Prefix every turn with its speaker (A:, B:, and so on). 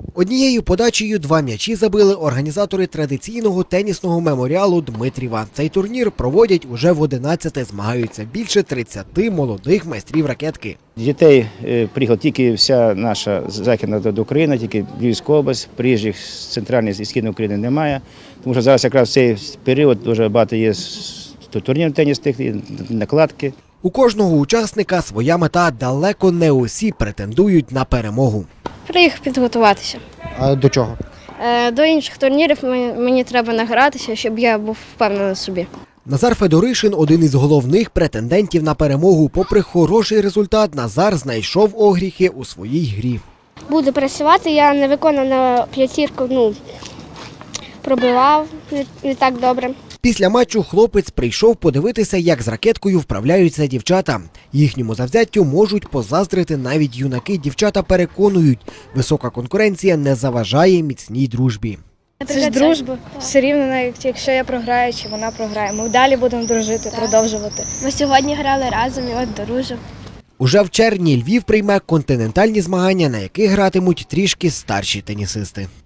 A: Однією подачею 2 м'ячі забили організатори традиційного тенісного меморіалу Дмитріва. Цей турнір проводять уже в 11-те, змагаються більше 30 молодих майстрів ракетки.
B: Дітей приїхала тільки вся наша західна Україна, тільки Львівська область, приїжджих з центральної і східної України немає. Тому що зараз якраз в цей період дуже багато є турнірів тенісних, накладки.
A: У кожного учасника своя мета, далеко не усі претендують на перемогу.
C: Приїхав підготуватися.
A: А до чого?
C: До інших турнірів мені треба награтися, щоб я був впевнений в собі.
A: Назар Федоришин – один із головних претендентів на перемогу. Попри хороший результат, Назар знайшов огріхи у своїй грі.
D: Буду працювати, я не виконав на п'ятірку, пробивав не так добре.
A: Після матчу хлопець прийшов подивитися, як з ракеткою вправляються дівчата. Їхньому завзяттю можуть позаздрити навіть юнаки. Дівчата переконують, висока конкуренція не заважає міцній дружбі.
C: Це ж дружба. Все рівно, навіть якщо я програю чи вона програє, ми далі будемо дружити, продовжувати.
D: Ми сьогодні грали разом і от дружимо.
A: Уже в червні Львів прийме континентальні змагання, на яких гратимуть трішки старші тенісисти.